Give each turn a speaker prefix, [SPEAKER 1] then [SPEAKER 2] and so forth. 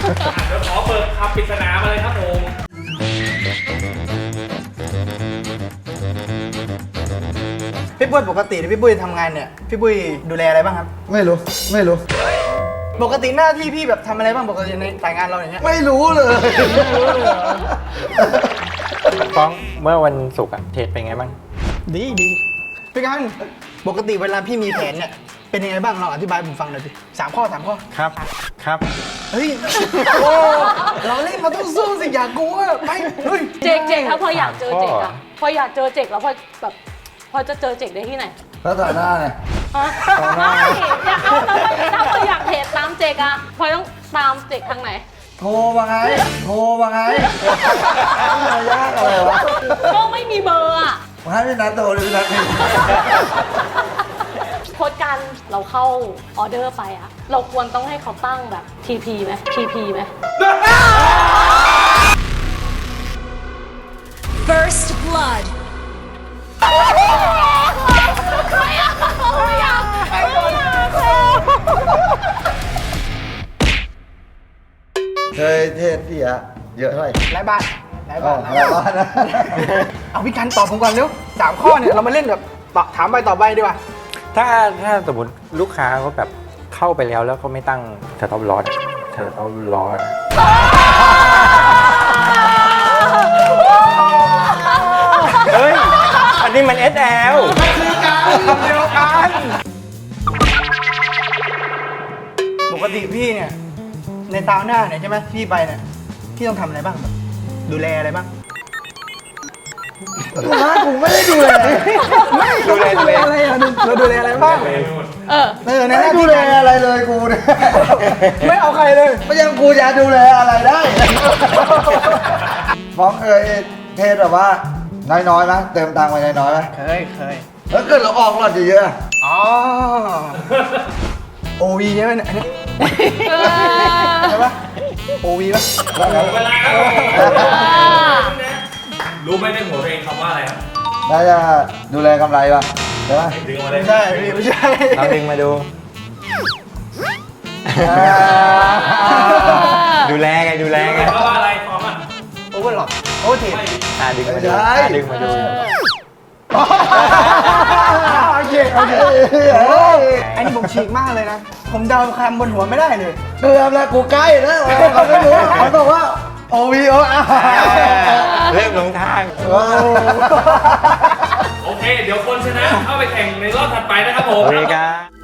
[SPEAKER 1] เดี๋ยวขอเปิดคำปริศนามาเลยครับผม
[SPEAKER 2] พี่ปุ้ยปกติพี่ปุ้ยทำงานเนี่ยพี่ปุ้ยดูแลอะไรบ้างครับ
[SPEAKER 3] ไม่รู้
[SPEAKER 2] ปกติหน้าที่พี่แบบทำอะไรบ้างปกติในสายงานเราอย่างเงี้ย
[SPEAKER 3] ไม่รู้เลย
[SPEAKER 4] ฟ้องเมื่อวันศุกร์อะเทรดเป็นไงบ้าง
[SPEAKER 2] ดีพี่กันปกติเวลาพี่มีแผนเนี่ยเป็นยังไงบ้างเราอธิบายให้ผมฟังหน่อยสิ3 ข้อ 3 ข้อ
[SPEAKER 4] ครับ
[SPEAKER 2] เฮ้ยโอ้เราเล่นมาต้องสู้สิอย่ากลัวไปเฮ้ย
[SPEAKER 5] เจกถ้าพออยากเจอเจกอะพออยากเจอเจกแล้วพอแบบพอจะเจอเจกได้ที่ไหน
[SPEAKER 3] แล้วต่อหน้าไง
[SPEAKER 5] ฮะไม่อยากเอาแล้วถ้าพออยากเทรดตามเจกอะพอต้องตามเจกทางไหน
[SPEAKER 3] โทรมาไงมันยากอะไรวะ
[SPEAKER 5] ก็ไม่มีเบอร์อะ
[SPEAKER 3] มาให้พี่นัทโทรเลยพี่นัท
[SPEAKER 5] โค้ดกันเราเข้าออเดอร์ไปอะเราควรต้องให้เขาตั้งแบบ TP ไหม TP ไหม
[SPEAKER 6] First blood.
[SPEAKER 3] เคยเทศพี่อะเยอะเท่าไหร่
[SPEAKER 2] หลายบาท
[SPEAKER 3] หลายบาทนะ
[SPEAKER 2] เอาพี่กันตอบผมก่อนเร็ว3 ข้อเนี่ยเรามาเล่นแบบตอบถามไปต่อไปดีกว่า
[SPEAKER 4] ถ้าสมมติลูกค้าเขาแบบเข้าไปแล้วเขาไม่ตั้งสต็อปลอสเฮ้ย อันนี้มัน SL
[SPEAKER 2] คำเดียวกันปกติพี่เนี่ยในซาวน่าเนี่ยใช่ไหมพี่ไปเนี่ยพี่ต้องทำอะไรบ้างแบบดูแลอะไรบ้าง
[SPEAKER 3] ผมไม่ได้ดูเลย
[SPEAKER 4] ดูแล
[SPEAKER 2] อะไรอ่ะเราดูแลอะไรบ้างในหน้า
[SPEAKER 3] ดู
[SPEAKER 2] ที่
[SPEAKER 3] แล
[SPEAKER 2] การ
[SPEAKER 3] อะไรเลยกูเนี่ย
[SPEAKER 2] ไม่เอาใครเลย
[SPEAKER 3] ไม่ยังกูจะดูแลอะไรได้ฟ้องเคยเทศแบบว่าน้อยๆไหมเติมตังค์ไปน้อยๆไหม
[SPEAKER 2] เคย
[SPEAKER 3] แล้วเกิดเราออกหลอดเยอะ
[SPEAKER 2] อ๋อโอวีใช่ไหมเนี่ยอันนี้ใช่ปะโอวีปะ
[SPEAKER 1] เวลาครับรู้ไหมในหัวเพลงคำว่าอะไรครับ
[SPEAKER 3] น่าจะดูแลกำไรป่ะใช่ไหม
[SPEAKER 1] ดึงมาเลย
[SPEAKER 2] ไม่ใช่พี่ไม่ใช่
[SPEAKER 4] เราดึงมาดู ดูแลไง
[SPEAKER 1] คำว่าอะไรฟอร์มอ่ะ
[SPEAKER 2] โอเวอร์หลอดโอเวอร์เทน
[SPEAKER 4] ดึงมาดูดึงมาดู
[SPEAKER 2] โอเคอันนี้ผมฉีกมากเลยนะ ผมเดาคำบนหัวไม่ได้เลย
[SPEAKER 3] เกือบแล้วกูใกล้แล้วเขาไม่รู้เขาบอกว่า OVO
[SPEAKER 4] เริ่มหลงทาง
[SPEAKER 1] โอเค เดี๋ยวคนชนะเข้าไปแข่งในรอบถัดไปนะครับผม
[SPEAKER 4] โอเคครับ